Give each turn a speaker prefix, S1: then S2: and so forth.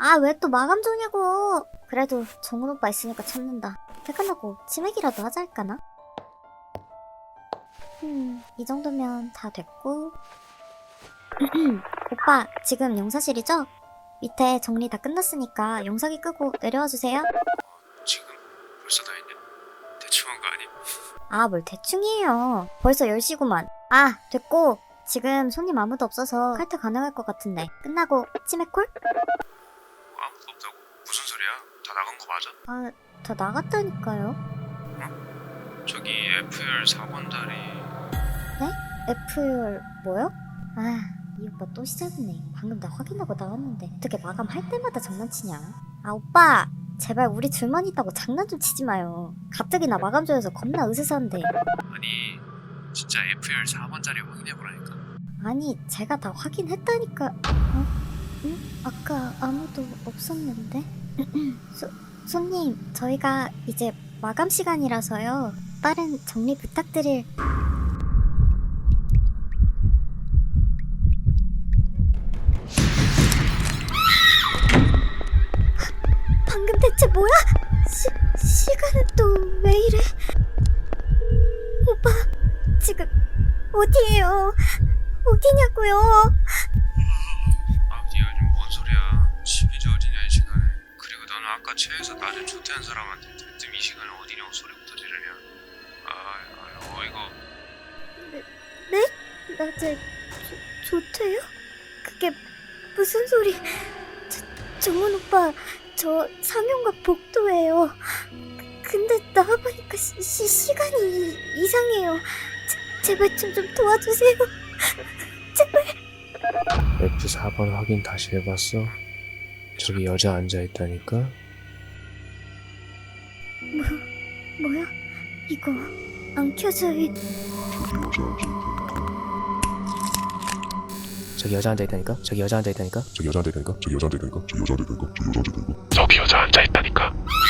S1: 아, 왜 또 마감 전이냐고. 그래도 정훈 오빠 있으니까 참는다. 퇴근하고 치맥이라도 하자 할까나? 이 정도면 다 됐고. 오빠, 지금 용사실이죠? 밑에 정리 다 끝났으니까 용사기 끄고 내려와 주세요.
S2: 지금 벌써 다 했냐? 대충 한 거 아님?
S1: 아, 뭘 대충이에요. 벌써 10시구만. 아, 됐고. 지금 손님 아무도 없어서 칼퇴 가능할 것 같은데. 끝나고 치맥콜?
S2: 아무도 없다고? 무슨 소리야? 다 나간 거 맞아?
S1: 아, 다 나갔다니까요.
S2: 저기 FR 4번 다리
S1: F열 뭐요? 아, 이 오빠 또 시작이네. 방금 나 확인하고 나왔는데 어떻게 마감할 때마다 장난치냐? 아, 오빠 제발 우리 둘만 있다고 장난 좀 치지 마요. 갑자기 나 마감 조여서 겁나 으스스한데.
S2: 아니 진짜 FR 4번 자리 확인해보라니까.
S1: 아니, 제가 다 확인했다니까. 어? 응? 아까 아무도 없었는데? 손님, 저희가 이제 마감 시간이라서요. 빠른 정리 부탁드릴... 방금 대체 뭐야? 시간은 또 왜 이래? 오빠, 지금 어디에요? 어디냐고요?
S2: 아 니가 요즘 뭔 소리야? 집이지 어디냐 이 시간에. 그리고 너는 아까 체해서 낮에 조퇴한 사람한테 대뜸 이 시간에 어디냐고 소리부터 지르냐. 어이거.
S1: 네? 낮에 조퇴요? 그게 무슨 소리? 정훈 오빠, 저 상용과 복도예요. 근데 나와보니까 시간이 이상해요. 제발 좀 도와주세요. 제발.
S2: F4번 확인 다시 해봤어? 저기 여자 앉아있다니까?
S1: 뭐야? 이거 안 켜져 있...
S3: 저기 여자 앉아있다니까? 저기 여자 앉아있다니까?
S2: 저기 여자 앉아있다니까?